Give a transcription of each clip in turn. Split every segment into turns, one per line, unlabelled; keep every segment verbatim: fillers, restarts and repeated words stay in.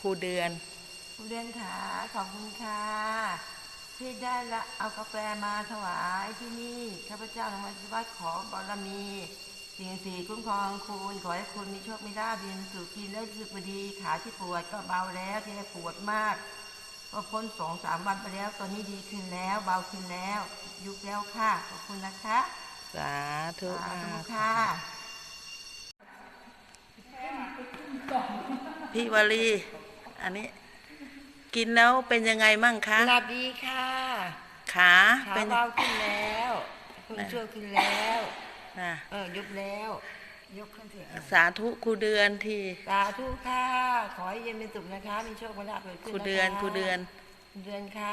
รูเดือน
ครูเดือนขาขอบคุณค่ะที่ได้ละเอากาแฟมาถวายที่นี่ข้าพเจ้าทั้งหมดที่วัดขอบารมีสิ่งสีคุ้มครองคุณขอให้คุณมีโชคมีลาภเรียนสู่กินได้รู้สึกดีขาที่ปวดก็เบาแล้วที่ปวดมากก็พ้นสองสามวันไปแล้วตอนนี้ดีขึ้นแล้วเบาขึ้นแล้วยุบแล้วค่ะขอบคุณนะคะ
สาธุ
สาธุ
มาก
ค่ะ
พี่วลีอันนี้กินแล้วเป็นยังไงมั่งคะ
หลับดีค่ะ
ขา
ขา
เป็น
เบาขึ้นแล้วคุณช่วยขึ้นแล้ว
นะ
เออยุบแล้วยกขึ้นเถอะ
สาธุครูเดือนที่
สาธุค่ะขอให้เย็นเป็นสุขนะคะมีโชคมีลาภเกิดขึ้น
ครู
นะคะ
เดือนครูเดือน
เดือนค่ะ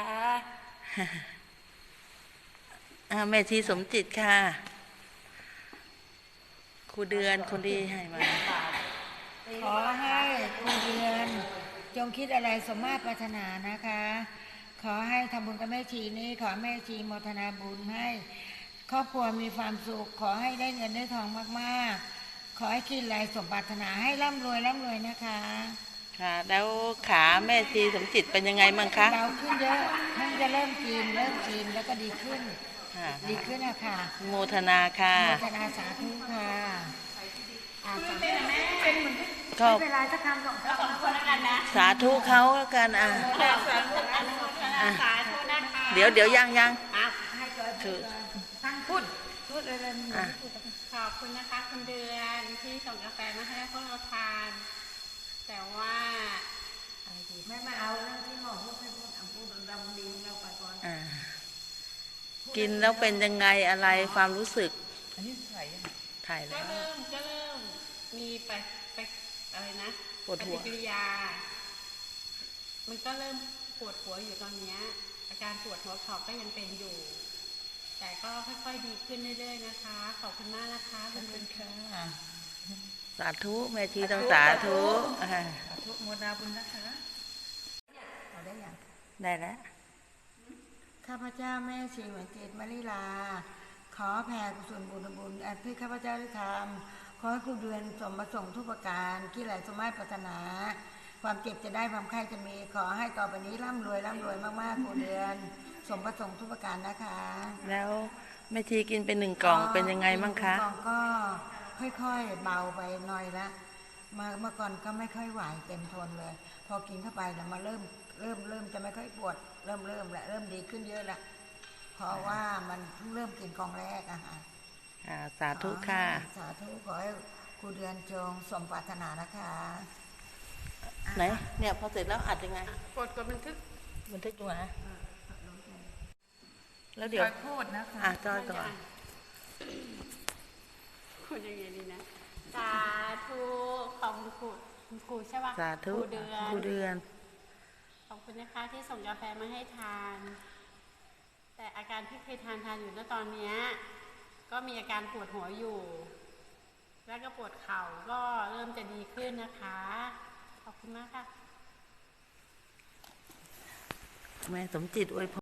แม่ชีสมจิตค่ะครูเดือนคนดีให้มา
ขอให้ครูเดือนจงคิดอะไรสมมาตรปรารถนานะคะขอให้ทำบุญกับแม่ชีนี้ขอแม่ชีโมทนาบุญให้ครอบครัวมีความสุขขอให้ได้เงินได้ทองมากๆขอให้คิดอะไรสมปรารถนาให้ร่ำรวยร่ำรวยนะคะ
ค่ะแล้วขาแม่ชีสมจิตเป็นยังไงมั่งคะ
เบาขึ้นเยอะเพิ่งจะเริ่มกินเริ่มกินแล้วก็ดีขึ้นดีขึ้นนะคะ
โมทนาค่ะ
โมทนาสาธุค่ะ
ก็สาธุเขาแล้วกันอ่ะเดี๋ยวเดี๋ยวยังยัง
พูดพูดอะไร
ขอบคุณนะคะคุณเดือนที่ส่งกาแฟมาให้พวกเราทานแต่ว่า
ไม่มาเอาเรื่องที่หมอพูดให้พูดพูดดำดีเราไปก่อน
กินแล้วเป็นยังไงอะไรความรู้สึก
อันนี้ถ่าย
ถ่ายแล้ว
ก็เริ่มก็เริ่มมีไปไปอะไรนะ
ปวดหัว
ปฏิกิริยามันก็เริ่มปวดหัวอยู่ตอนนี้อาการปวดหัวเข่าก็ยังเป็นอยู่แต่ก็ค่อยๆดีขึ้นเรื่อยๆนะคะขอบคุณมากนะคะ
ขอบคุณค่ะ
สาธุแม่ชีต้องสาธุ
สาธุโมนาบุญนะคะได้ยัง
ได้แล้ว
ข้าพเจ้าแม่ชีเหมือนเจตมาริลาขอแผ่กุศลบุญบุญอันที่ข้าพเจ้าได้ทำขอให้ครูเดือนสมประสงค์ทุกประการที่ไหลสมัยปรารถนาความเจ็บจะได้ความไข้จะมีขอให้ต่อไปนี้ร่ำรวยร่ำรวยมากๆครูเดือนสมประสงค์ทุกประการนะคะ
แล้วแม่ชีกินเป็นหนึ่งกล่องเป็นยังไงบ้างคะ
กล่องก็ค่อยๆเบาไปหน่อยละมาเมื่อก่อนก็ไม่ค่อยไหวเต็มทนเลยพอกินเข้าไปแล้วมาเริ่มเริ่มเริ่มจะไม่ค่อยปวดเริ่มเริ่มและเริ่มดีขึ้นเยอะละเพราะว่ามันเพิ่งเริ่มกินกล่องแรกอะค่ะ
สาธุค่ะ
สาธุขอให้ครูเดือนจงสมปรารถนานะคะ
ไหนเนี่ยพอเสร็จแล้วอัดยังไง
กดกดบันทึก
บันทึกอยู่นะแล้วเดี๋ยว
พูดนะคะ
อ่ะจอยก่อน
คุณยังไงดีนะสาธุขอบคุณครูคุณครูใช่ป่ะ
สาธุ
เดือน
ครูเดือน
ขอบคุณนะคะที่ส่งกาแฟมาให้ทานแต่อาการที่เคยทานทานอยู่ณตอนนี้ก็มีอาการปวดหัวอยู่แล้วก็ปวดเข่าก็เริ่มจะดีขึ้นนะคะขอบคุณมากค่ะ
แม่สมจิตอวยพร